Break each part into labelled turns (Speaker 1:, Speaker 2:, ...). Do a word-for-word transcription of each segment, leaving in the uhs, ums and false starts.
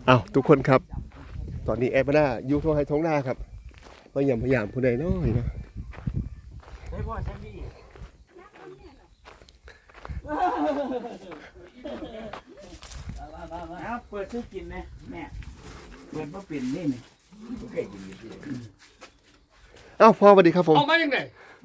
Speaker 1: อ้าวทุกคนครับตอนนี้แอปหน้าอยู่ท้องไห้ท้องหน้าครับพยายามพยายามผู้ใดน้อยเนาะ
Speaker 2: เฮ้ยพ่อฉันดีเอาเปิดซื้อกินนะแม่เปิดมาปิ่นนี่นี่โอเคกินดี
Speaker 1: อ้าวพ่อสวัสดีครับผม
Speaker 3: เอามาอย่างไร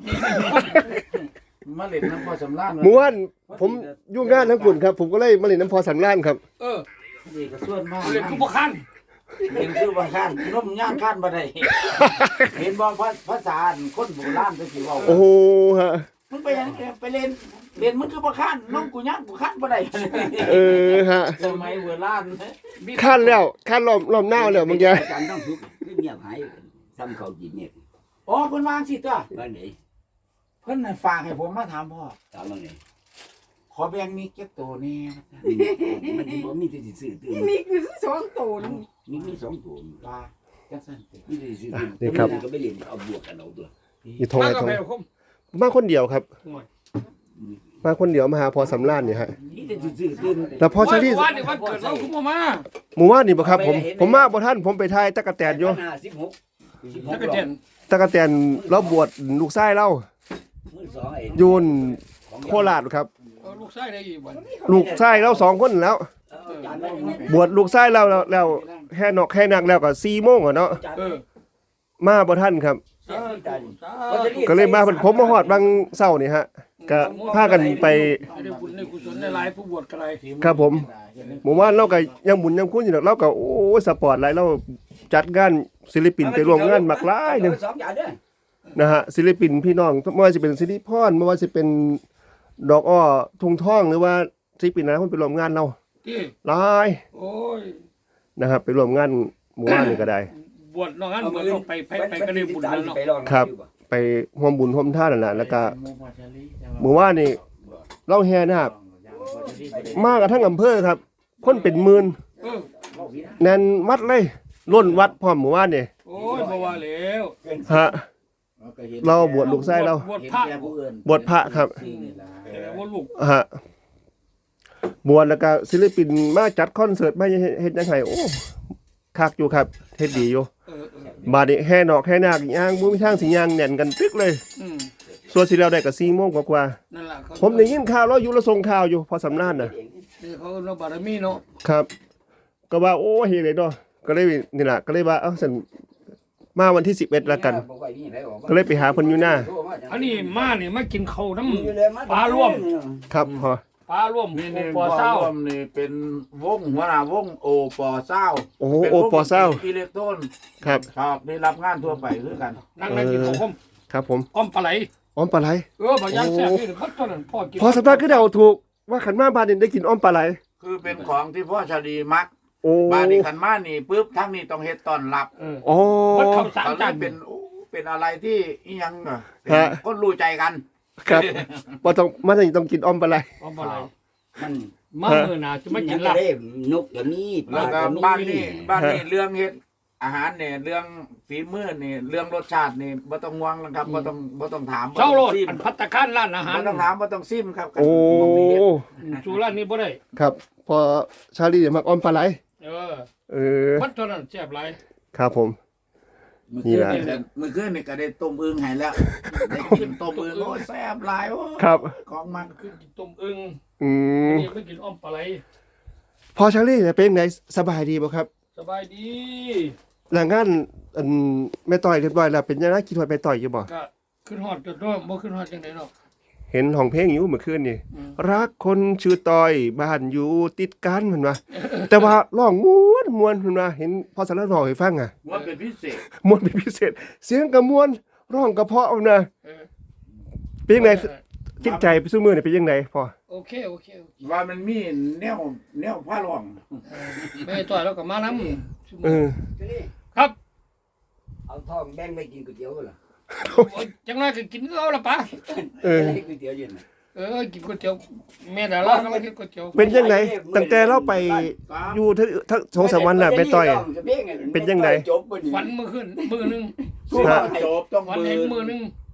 Speaker 2: มาเล่นน้ำพ่อสำราญ
Speaker 1: เมื่อวานผมยุ่งงานทั้งกุ่นครับผมก็เลยมาเล่นน้ำพอสำรานครับ
Speaker 3: เออ
Speaker 2: นี่ก็ส่วนมาก
Speaker 3: เรียนกูบ่คัน
Speaker 2: เห็นคือบางข้านน้มย่างข้านบ่ได้เห็นบอกภาษาคนโบราณไปสิว่า
Speaker 1: โอ้โหฮะ
Speaker 2: มึงไปยังไปเล่นเล่นมึงคือบ่ข้านน้องกูย่างกูข้านบ่ได้
Speaker 1: เออฮะ
Speaker 2: สมัยโบราณ
Speaker 1: ขั้นแล้วขั้นล้อมล้อมหน้าแล้วบางอย่าง
Speaker 4: อาจารย์ต้องทุกข์เงียบหายซ้ำเขาจีบเนี่ย
Speaker 2: อ๋อเพิ่นวางสิตัว
Speaker 4: ว่าไหน
Speaker 2: เพิ่นน่ะฝากให้ผมมาถามพ่อ
Speaker 4: ถามว่าไง
Speaker 2: ขอแบ่งมีเก็บตัวแน่
Speaker 4: มันบ่มีที่ซื้อตื่น
Speaker 5: มีคือสองตัวนึง
Speaker 4: มีมีสองตัว
Speaker 2: ว่าจังซั่นติ
Speaker 4: มีที่ซื้อตื่นนี่ครับก็ไม่เรียนเอาบวกกันเอาตัว
Speaker 1: อยู่ท้อง
Speaker 3: มา
Speaker 1: ไห้
Speaker 3: กับ
Speaker 1: ท้อง
Speaker 3: แม่คม
Speaker 1: มาคนเดียวครับ
Speaker 3: โอ้ย
Speaker 1: มาคนเดียวมาหาพอสำรานเนี่ยฮะ
Speaker 4: มีที่ซื้อตื่น
Speaker 1: แล้วพอชาลี
Speaker 3: วันนี้วันเกิดเราคุณพ่อมา
Speaker 1: หมู่ว่านนี่บ่ครับผมผมมาบ่ท่านผมไปทายตะกะแตนอยู่
Speaker 4: ห้าสิบหกสิบห
Speaker 3: แล้ว
Speaker 4: ก
Speaker 3: ก็เจน
Speaker 1: ตะกะแตนเราบวชลูกชายเรา
Speaker 4: มือสองไอ้
Speaker 1: อยู่โคราชครับ
Speaker 3: เอาลูกชายได้อีกวัน
Speaker 1: ลูกชายเราสองคนแล้ว บวชลูกชายเราแล้วแล้วแค่นอกแค่นักแล้วก็สี่โมงอ่ะเนาะ
Speaker 3: เออ
Speaker 1: มาบ่ท่านครับ
Speaker 3: สาธุสาธุ
Speaker 1: ก็เลยมาผมมาฮอดบางเช้านี่ฮะก็พากันไป
Speaker 3: ให้ได้บุญได้กุศลได้หลายผู้บวชกระไร
Speaker 1: ครับผมหมู่บ้านเราก็ยังบุญยังคุ้นอยู่ดอกเราก็โอ้ยสปอร์ตหลายเราจัดงานศิลปินไปร่วมงานมากหลายหนึง
Speaker 4: สองอย่างเด้อ
Speaker 1: นะฮะศิลปินพี่น้องไม่ว่าจะเป็นสิริพรไม่ว่าจะเป็นดอกอ้อทุ่งท่องหรือว่าศิลปินอะไรคนไปร่วมงานเรา
Speaker 3: ที่
Speaker 1: หลาย
Speaker 3: โอ้ย
Speaker 1: นะครับไปร่วมงานหมู่บ้านนี่ก็ได้
Speaker 3: บวชนอกนั้นบวชต้องไปไปไปก็ได้บุญแล้วเนาะ
Speaker 1: ครับ ไปร่วมบุญร่วมทานนั่นแหละแล้วก็หมู่บ้านนี่เราแห่นะครับมากับทั้งอำเภอครับ คนเป็นหมื่น
Speaker 3: เออ
Speaker 1: แน่นวัดเลยล้นวัดพร้อมหมู่บ้านนี่
Speaker 3: โอ้ยบ่ว่าแล้ว
Speaker 1: ฮะ เราบวชลูกไส้เรา
Speaker 3: บวชพระ
Speaker 1: บวชพระครับ
Speaker 3: แต่ว่าลูก
Speaker 1: ฮะบวชแล้วก็ศิลปินมาจัดคอนเสิร์ตมาเฮ็ดยังไงโอ้คักอยู่ครับเฮ็ดดีอยู่
Speaker 3: เออเออบ
Speaker 1: าดนี้แห่นอกแห่นาคย่างบ่มีทางสิย่างแน่นกันตึกเลย
Speaker 3: อืม
Speaker 1: ส่วนสิแล้วได้ก็สี่โมงกว่า
Speaker 3: นั่นล่ะเขา
Speaker 1: ๆผมได้ยินข่าวเราอยู่ละส่งข่าวอยู่พอสำนานน่ะ
Speaker 3: นี่เขาเราบารมีเนาะ
Speaker 1: ครับ ก็ว่าโอ้เฮ็ดได้เนาะก็เลยนี่ล่ะก็เลยว่าเอ้าซั่นมาวันที่สิบเอ็ดแล้วกัน ก็เลยไปหาเพิ่นอยู่หน้า
Speaker 3: อันนี้มานี่มากินข้าวน้ำปลาร่วม
Speaker 1: ครับพอ
Speaker 3: ปลาร่วม
Speaker 2: นี่
Speaker 3: โอ
Speaker 2: นี่
Speaker 3: ปอเศร้า
Speaker 2: ร่วมนี่เป็นวงหัวหน้าวงโอปอเศร้า
Speaker 1: โอ้โหโอปอเศร้า
Speaker 2: อิเล็กโทรน
Speaker 1: ครับ
Speaker 2: ครับได้รับงานทั่วไปคือกัน
Speaker 3: นั่งนั่งกินข้าวคม
Speaker 1: ครับผม
Speaker 3: อ้อมปลาไหล
Speaker 1: อ้อมปลาไหล
Speaker 3: เออบางอย่างแซ่บนี่พัดตอนนั้นพ่อกิน
Speaker 1: พอสำนานคือเดาถูกว่าขันมาบ้านนี่ได้กินอ้อมปลาไหล
Speaker 2: คือเป็นของที่พ่อชาดีมัก
Speaker 1: โอ้
Speaker 2: บ้านนี้ขันมานี่ปุ๊บทั้งนี้ต้องเฮ็ดต้อนรับ
Speaker 3: เออ
Speaker 1: โอ้
Speaker 3: มันเข้าสาม
Speaker 2: เขาเล
Speaker 3: จาย น
Speaker 2: เป็นโอ้เป็นอะไรที่อิหยังอ่ะ
Speaker 1: ฮะ
Speaker 2: คนรู้ใจกัน
Speaker 1: ครับบ่ต้องมาถึงต้องกินอ้อมปลาไหล
Speaker 3: อ้อมปลาไหล
Speaker 4: มัน
Speaker 3: มาเมื่อหนาจะไม่กินลาบ
Speaker 4: นกก็มีป
Speaker 2: แล้
Speaker 4: ลาว
Speaker 2: ก็
Speaker 4: ก็มี
Speaker 2: บ้านนี้บ้านนี้เรื่องเฮ็ดอาหารเนี่ยเรื่องฝีมือเนี่ยเรื่องรสชาติเนี่ยบ่ต้องห่วงนะครับบ่ต้องบ่ต้องถามบ่
Speaker 3: เจ้าโล
Speaker 2: ต้อ
Speaker 3: ด
Speaker 2: งซิม
Speaker 3: อันพัตตาคารร้านอาหาร
Speaker 2: บ่ต้องถามบ่ต้องซิมครับ
Speaker 1: โอ้
Speaker 3: สู่ร้านนี้บ่ได้
Speaker 1: ครับ พอชาลีมักอ้อมปลาไหล
Speaker 3: เออ
Speaker 1: เออ
Speaker 3: พัดตอนนั้นแซ่บหลาย
Speaker 1: ครับผม
Speaker 2: มื้อ
Speaker 1: นี่
Speaker 2: คืน
Speaker 1: แหละ
Speaker 2: นี่มื้อคืนนี่ก็ได้ต้มอึ่งให้แล้วได้กินต้มอึ่งโอ้แซ่บหลายโอ้
Speaker 1: ครับ
Speaker 2: ของมัน
Speaker 3: คือกินต้มอึ่ง
Speaker 1: อืม
Speaker 3: นี่ไม่กินอ้อมปลาไหล
Speaker 1: พอชาลีเนี่ยเป็นไงสบายดีบ่ครับ
Speaker 3: สบายดี
Speaker 1: หลังงานอันแม่ต่อยเรียบร้อยแล้วเป็นยังไงคิดว่าแม่ต่อยอยู่บ่
Speaker 3: ก็ขึ้นฮอดจนว่าบ่ขึ้นฮอดจังได๋เนาะ
Speaker 1: เห็นห้องเพลงอยู่เมื่อคืนนี่
Speaker 3: อืม
Speaker 1: รักคนชื่อต่อยบ้านอยู่ติดกันเพิ่นว่าแต่ว่าร้องม่วนม่วนเพิ่นว่าเห็นพอสารร้องให้ฟังอ่ะ
Speaker 2: ว่าเป็นพิเศษ
Speaker 1: ม่วนเป็นพิเศษ เสียงก็ม่วนร้องก็เพราะเอานะ
Speaker 3: เออ
Speaker 1: เป็นยังไงจิตใจไปซุมื้อนี่เป็นยังไงพ่อ
Speaker 3: โอเคโอเคโอเค
Speaker 2: ว่ามันมีแนวแนวผ้าร่อง
Speaker 3: เออแม่ต่อยแล้วก็มานำ
Speaker 1: เออ
Speaker 3: ครับ
Speaker 4: เอาทองแบ่งไปกินก๋วยเตี๋ยวเหรอ
Speaker 3: โอ้ยจังได๋ก็กินเอาละปะ
Speaker 1: เออ
Speaker 4: ก๋วยเตี๋ยวเย็น
Speaker 3: เออกินก๋วยเตี๋ยวแม่ดาราก็มากินก๋วยเตี๋ยว
Speaker 1: เป็นยังไงตั้งแต่เราไปอยู่ทั้งทั้งสองสามวันน่ะแม่ต่อย เป็นยังไง
Speaker 4: จบบ่นี่
Speaker 3: ฝันมื้อขึ้นมื้อนึง
Speaker 2: สู้จบต้อง
Speaker 3: ฝัน
Speaker 2: มื
Speaker 3: เห็น
Speaker 2: อ
Speaker 3: มื้อนึง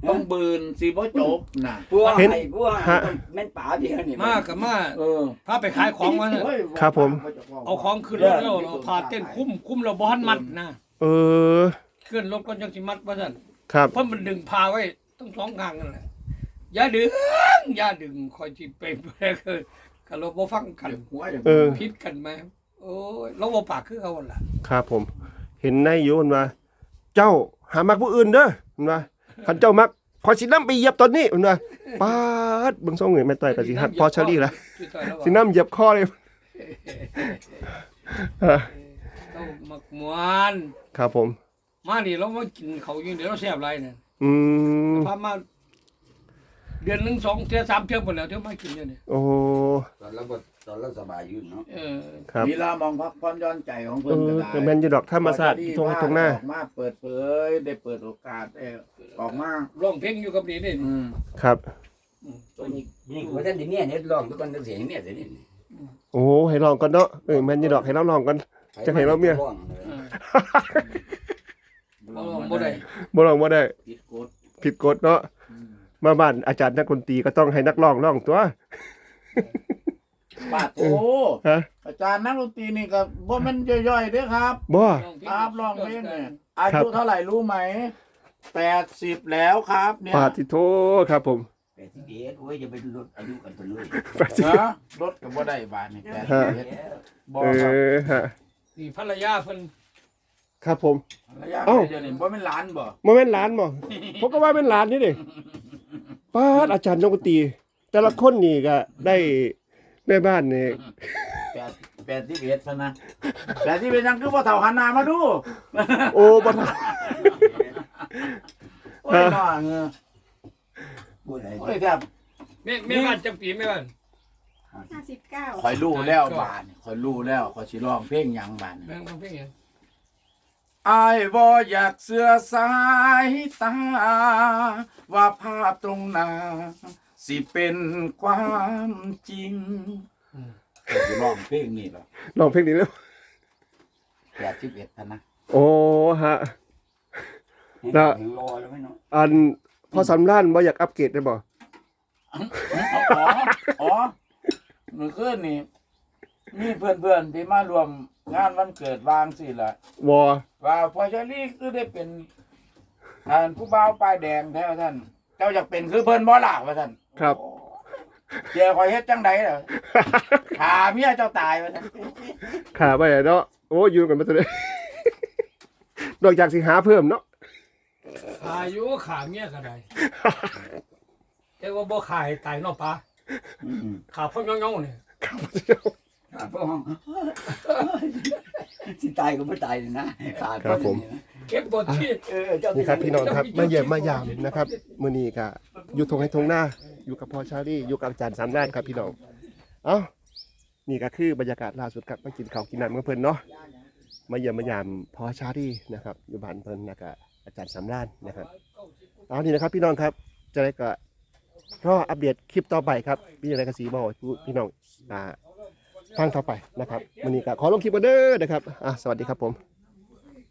Speaker 2: ต้องบืนสิบ่จบน่ะ
Speaker 4: พวก
Speaker 1: เห็น
Speaker 4: ไอ้พวก
Speaker 1: ฮะ
Speaker 4: แม่นป่าเดียวนี่
Speaker 3: มากับมา
Speaker 2: เออ
Speaker 3: พาไปขายของมาเนี่ย
Speaker 1: ครับผม
Speaker 3: เอาของขึ้นรถแล้วเราพาเต้นคุ้มคุ้มเราบ้านมัดนะ
Speaker 1: เออ
Speaker 3: ขึ้นรถก็ยังสิมัดว่าซั่น
Speaker 1: ครับ
Speaker 3: เพราะมันดึงพาไว้ต้องสองข้างนั่นแหละอย่าดึงอย่าดึงคอยจิไปไปคือก็เราบ่ฟังกัน
Speaker 2: หัวอย่าง
Speaker 1: เออ
Speaker 3: ผิดกันไหมโอ้ยเราบ่ปากคือเขาหั่นล่ะ
Speaker 1: ครับผม เห็นในอยู่มันว่า เจ้าหามักผู้อื่นเด้อมันว่าคันเจ้ามักพอสินำไปเหยียบตอนนี้มันว่าปาดเบิ่งทรงนี่แม่ต้อยก็สิฮัดพอเชอรี่ละ
Speaker 3: สิต่อยแล้ว
Speaker 1: สินำเหยียบคอเลย
Speaker 3: เรามักมวน
Speaker 1: ครับผม
Speaker 3: มานี่เรามากินเขาวอยู่เดี๋ยวเราแซ่บหลายเนี่ย
Speaker 1: อืม
Speaker 3: พามาเดือนหนึงสองเทื่อสามเทื่อหมดแล้วเทื่อมากินอยู่เนี่ย
Speaker 1: โอ้
Speaker 4: ตอนเราบ่ตอนเราสบายอยู่เนาะ
Speaker 3: เออ
Speaker 1: ครับ
Speaker 2: มีลามองพักผ่อนหย้อนใจของ
Speaker 1: เอ
Speaker 2: เพิ่น
Speaker 1: อ
Speaker 2: ก็ได้
Speaker 1: ก็แม่นอยู่ดอกธรรมศาสตร์ตรงตรงหน้า
Speaker 2: ออกมาเปิดเผยได้เปิดโอกาสได้ออกมา
Speaker 3: ร้องเพลงอยู่กับนี่นี่
Speaker 2: อืม
Speaker 1: ครับ
Speaker 4: ตัวนี้นี่ว่าท่านที่เมียเนี่ยลองทุกคนต้องเสียให้เมียเสียนี่
Speaker 1: โอ้ให้ลองก่อนเนาะเออแม่นอยู่ดอกให้เราลองก่อน จะให้เราเมีย
Speaker 3: เออเราร้องบ่ได้
Speaker 1: บ่ลองบ่ได้
Speaker 2: ผิดกฎ
Speaker 1: ผิดกฎเนาะ
Speaker 2: อืม
Speaker 1: มาบ้านอาจารย์นักดนตรีก็ต้องให้นักร้องร้องตัว
Speaker 2: ปาดโอ้
Speaker 1: ฮะ
Speaker 2: อาจารย์นักดนตรีนี่ก็บ่แม่นย่อยๆเด้อครับ
Speaker 1: บ่
Speaker 2: ครับร้องเพลงเนี่ยอายุเท่าไหร่รู้ไหมแปดสิบแล้วครับเนี่ย
Speaker 1: ปาติโทครับผม
Speaker 4: แปดสิบเอ็ดโอ้ยจะไปลดอายุกันไปเลย
Speaker 1: แปดสิบ
Speaker 2: นะรถก็บ่ได้บาทนี่แปดสิบเอ็ดบ่
Speaker 1: เอ
Speaker 2: ครับ
Speaker 1: อฮะ
Speaker 3: นี่ภรรยาเพิ่น
Speaker 1: ครับผม
Speaker 2: ระยะ
Speaker 1: เอ้า
Speaker 2: เดี๋ยวนี้บ่แม่นหลานบ่
Speaker 1: บ่แม่นหลานบ่ผมก็ว่าเป็นหลานนี่ดิปาดอาจารย์นักดนตรีแต่ละคนนี่ก็ได้แม่บ้านนี่
Speaker 2: แปดแปดสิบเอ็ดพะนะแปดสิบเอ็ดยังคือบ่เฒ่าหันหน้ามาดู
Speaker 1: โอ้บ่ทัน
Speaker 2: โอ้ยน้อเงอ
Speaker 4: พูดอะไร
Speaker 2: โอ้ยแทบ
Speaker 3: แม่แม่บ้านจังปีแม่บ้าน
Speaker 5: ห้าสิบเก้า
Speaker 2: ข่อยรู้แล้วบาดนี่ข่อยรู้แล้วข่อยสิร้องเพลงหยังบาดนี่
Speaker 3: แม่ร้องเพลงหยัง
Speaker 2: อายบ่อยากเสือสายตา ว่าภาพตรงหน้าสิเป็นความจริงข่อยสิร้องเพลงนี่ล่ะ
Speaker 1: ลองเพลงนี้แล้ว
Speaker 2: แปดสิบเอ็ดพะนะ
Speaker 1: โอ้ฮะ
Speaker 4: แล้วรอแล้วไม่เนาะ
Speaker 1: อันพอสำล้านบ่อยากอัปเกรดได้บ่
Speaker 2: อ๋ออ๋อเมื่อคืนนี่มีเพื่อนๆที่มารวมงานวันเกิดวางสิล่ะ
Speaker 1: วอ
Speaker 2: ว่าพอเชอรี่คือได้เป็นท่านผู้บ่าวป้ายแดงแท้ท่าน เจ้าอยากเป็นคือเพิ่นบ่ล่ะว่าท่าน
Speaker 1: ครับ
Speaker 2: เจ้าคอยเฮ็ดจังไดล่ะขาเมียเจ้าตายว่าท่าน
Speaker 1: ขาไปเนาะโอ้อยู่กันมาตัวเลย นอกจากสิหาเพิ่มเนาะ
Speaker 3: ขาอยู่ขาเมียก็ได้แต่ว่าบ่ขายตายเนาะปะขาพ่อเงาๆนี่
Speaker 4: ขาดพวกห้องสิตายก็ไม่ตายเลยนะขาด
Speaker 1: ครับผม
Speaker 3: เก็บบ่ที่
Speaker 4: เออเจ้า
Speaker 1: นี่ครับพี่น้องครับมาเยี่ยมมายามนะครับมื้อนี้ก็อยู่ทงให้ทงหน้า อยู่กับพ่อชาลี่อยู่กับอาจารย์สามด้านครับพี่น้องเอ้านี่ก็คือบรรยากาศล่าสุดครับมากินข้าวกินน้ำกับเพิ่นเนาะมาเยี่ยมมายามพ่อชาลี่นะครับอยู่บ้านเพิ่นแล้วก็อาจารย์สามด้านนะครับเอานี่นะครับพี่น้องครับจะได้ก็รออัปเดตคลิปต่อไปครับมีอะไรก็สีบอกพี่น้องอ่าฟังต่อไปนะครับมื้อนี้ก็ขอลงคลิปกันเด้อนะครับอ่ะสวัสดีครับผม